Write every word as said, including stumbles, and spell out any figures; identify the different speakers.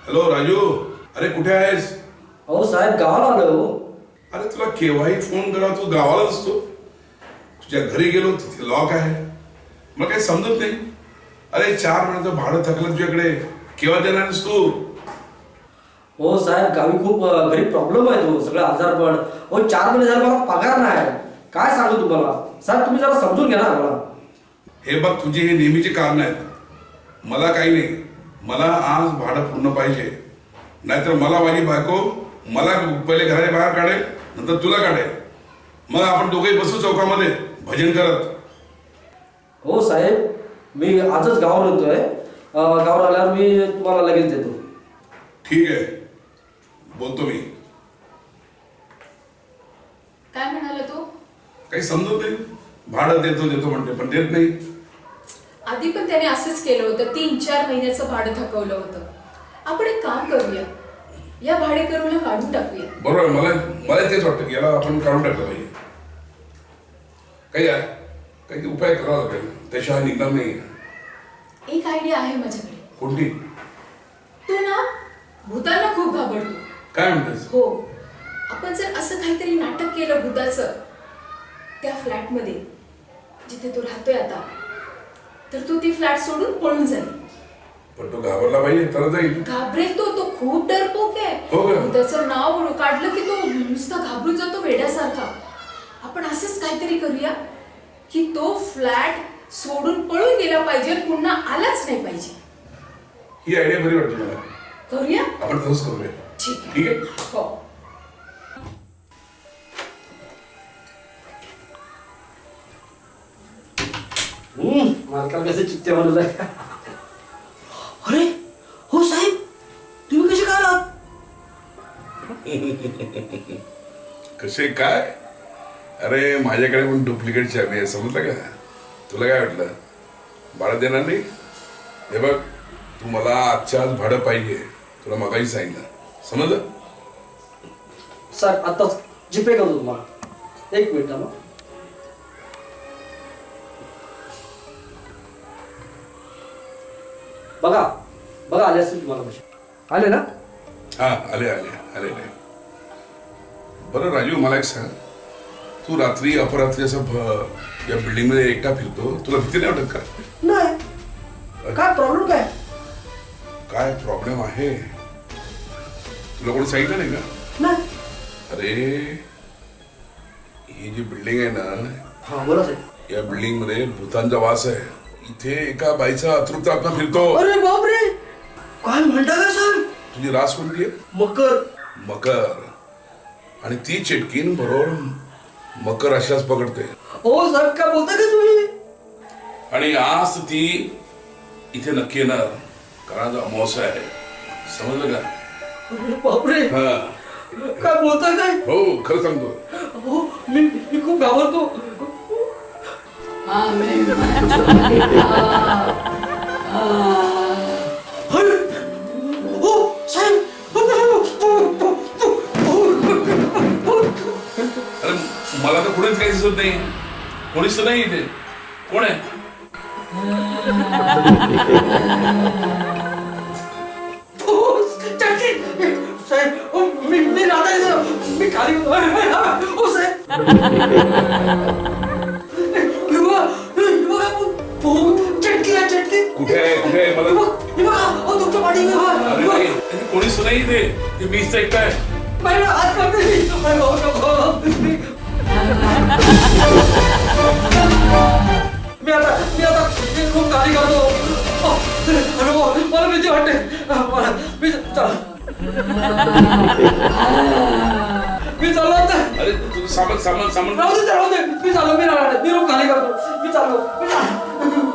Speaker 1: Hello Raju, अरे कुठे आहेस?
Speaker 2: अहो साहेब गावाला आलो.
Speaker 1: अरे तुला केव्हाही फोन करा, तू गावाला असतो. तुझ्या घरी गेलो तिथे लॉक आहे, मग काही समजत नाही. अरे चार महिन्याचं भाडं थकलं तुझ्याकडे, केव्हा देणारस तू?
Speaker 2: हो साहेब गावी खूप अ, घरी प्रॉब्लेम आहे. तो सगळं आजारपण. हो चार महिने झाले मला पगार नाही. काय सांगू तुम्हाला साहेब, तुम्ही जरा समजून घ्या ना मला.
Speaker 1: हे बघ, तुझे हे नेहमीचे कारण आहेत. मला काही नाही, मला आज भाडं पूर्ण पाहिजे. नाहीतर मला माझी बायको मला पहिले घराच्या बाहेर काढेल, नंतर तुला काढेल. मग आपण दोघेही बसू चौकामध्ये भजन करत.
Speaker 2: हो साहेब, मी आजच गावावर येतोय. अ, गावावर आल्यावर मी तुम्हाला लगेच देतो.
Speaker 1: ठीक आहे, बोलतो मी.
Speaker 3: काय म्हणाला तो?
Speaker 1: काही समजत नाही. भाडं देतो देतो म्हणते, पण देत नाही.
Speaker 3: आधी पण त्याने असंच केलं होतं. तीन चार महिन्याचं भाडं थकवलं होतं. आपण एक काम करूया, या भाडेकरूला काढून टाकूया.
Speaker 1: बरोबर, मला मला तेच वाटतं की याला आपण काढून टाकलं पाहिजे. काही आहे, काही उपाय करावा लागेल, त्याशिवाय निघणार नाही.
Speaker 3: एक आयडिया आहे माझ्याकडे.
Speaker 1: कोणती?
Speaker 3: तू ना भूतांना खूप घाबरतो.
Speaker 1: काय म्हणतेस?
Speaker 3: हो, आपण जर असं काहीतरी नाटक केलं भूताचं त्या फ्लॅटमध्ये जिथे तो राहतोय आता, तर तू ती फ्लॅट सोडून पळून जाईल.
Speaker 1: पण तो घाबरला पाहिजे तर जाईल.
Speaker 3: घाबरेल तो. तो खूप डरपोक आहे.
Speaker 1: हो का?
Speaker 3: भूताचं नाव काढलं की तो नुसता घाबरून जातो वेड्यासारखा. आपण असंच काहीतरी करूया की तो फ्लॅट सोडून पळून गेला पाहिजे, पुन्हा आलाच नाही पाहिजे.
Speaker 1: ही आयडिया बरी वाटते मला.
Speaker 3: करूया?
Speaker 1: आपण तसंच करूया.
Speaker 3: ठीक आहे.
Speaker 1: ठीक आहे.
Speaker 3: हो.
Speaker 2: हम्म, मालकाला कसे चित्ते बनवलंय. अरे हो साहेब, तुम्ही कसे काय आलात?
Speaker 1: कसे काय? अरे माझ्याकडे पण डुप्लिकेट चाबी आहे, समजलं का? तुला काय वाटलं भाडं देणार नाही? हे बघ, तू मला आजच्या आज भाडं पाहिजे. तुला मगाही सांगितलं, समजलं?
Speaker 2: सर आताच जीपे करतो तुम्हाला. एक मिनिट मग. बघा बघा आले असतील तुम्हाला पैसे. आले ना?
Speaker 1: हा, आले आले आले आले. बरं राजू, मला एक सांग, तू रात्री अपरात्री असं भ- या बिल्डिंग मध्ये एकटा फिरतो, तुला भीती नाही वाटत का?
Speaker 2: नाही. काय प्रॉब्लेम काय?
Speaker 1: काय प्रॉब्लेम आहे? तुला कोणी सांगितलं नाही का?
Speaker 2: नाही.
Speaker 1: अरे ही जी बिल्डिंग आहे ना,
Speaker 2: हा बोला साहेब.
Speaker 1: या बिल्डिंग मध्ये भूतांचा वास आहे. इथे एका बाईचा अतृप्त आत्मा फिरतो.
Speaker 2: अरे बापरे, काय म्हणता का साहेब?
Speaker 1: तुझी रास कोणती आहे?
Speaker 2: मकर.
Speaker 1: मकर. आणि ती चिटकीन बरोबर मकर अशाच पकडते.
Speaker 2: हो साहेब, काय बोलता का तुम्ही?
Speaker 1: आणि आज ती इथे नक्की येणार, कारण आज अमावस्या आहे. समजलं का?
Speaker 2: अरे बापरे,
Speaker 1: हा,
Speaker 2: काय बोलता काय?
Speaker 1: हो खरं सांगतो.
Speaker 2: हो, मी मी खूप घाबरतो. हो साहेब.
Speaker 1: अरे मला तर कुणीच काही दिसत नाही. कोणीच तर नाही इथे. कोण आहे?
Speaker 2: हो, चाची. साहेब, हो, मी मी राधा इथं. मी खाली हो साहेब. हे बघा, हे बघा, हो, चटकी आहे, चटकी.
Speaker 1: कुठे आहे? कुठे आहे?
Speaker 2: हे
Speaker 1: मला
Speaker 2: बघ, हे बघा, हो, तुमच्या पाठीमागे, हे बघा,
Speaker 1: अरे
Speaker 2: हे बघा.
Speaker 1: नाही, इथे कोणीच तर नाही इथे. ते मीच एकटा आहे.
Speaker 2: माझ्या हात काढते मी. अरे हो, हो, मी मी आता मी आता मी खूप गाडी काढतो. अरे हो, मला भीती वाटते. मला मी चला मी चाललो आता.
Speaker 1: अरे तुझं सामान सामान सामान
Speaker 2: राहू दे, राहू दे. मी चाललो, मी राहणार. मी रूम खाली करतो. मी चाललो, मी चाललो.